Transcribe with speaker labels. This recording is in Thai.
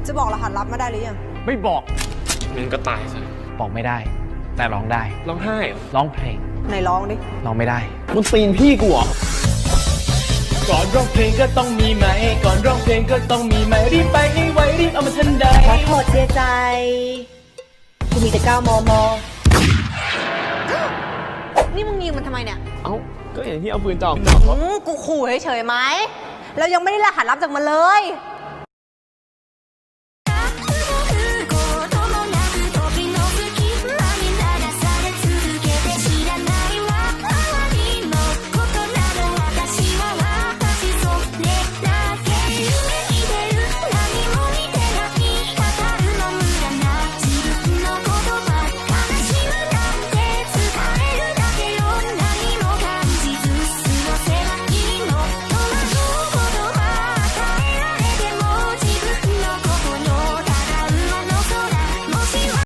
Speaker 1: จะบอกรหัสลับมาได้หรือยัง
Speaker 2: ไม่บอก
Speaker 3: งั้นก็ตายซะ
Speaker 2: บอกไม่ได้แต่ร้องได้
Speaker 3: ร้องไห้เหรอ
Speaker 2: ร้องเพลง
Speaker 1: ไหนร้องดิ
Speaker 2: ร้องไม่ได้
Speaker 3: มึงตีนพี่กูเหรอ
Speaker 2: ก่อนร้องเพลงก็ต้องมีไหมก่อนร้องเพลงก็ต้องมีไหมรีบไปให้ไวรีบเอามาทันใด
Speaker 1: ขอโทษเสียใจกูมีแต่9 มม. นี่มึงยิงมันทำไมเนี่ย
Speaker 3: เอ้าก็อย่างที่เอาปืนจ่อ
Speaker 1: กูขู่เฉยๆไหมแล้วยังไม่ได้รหัสลับจากมันเลย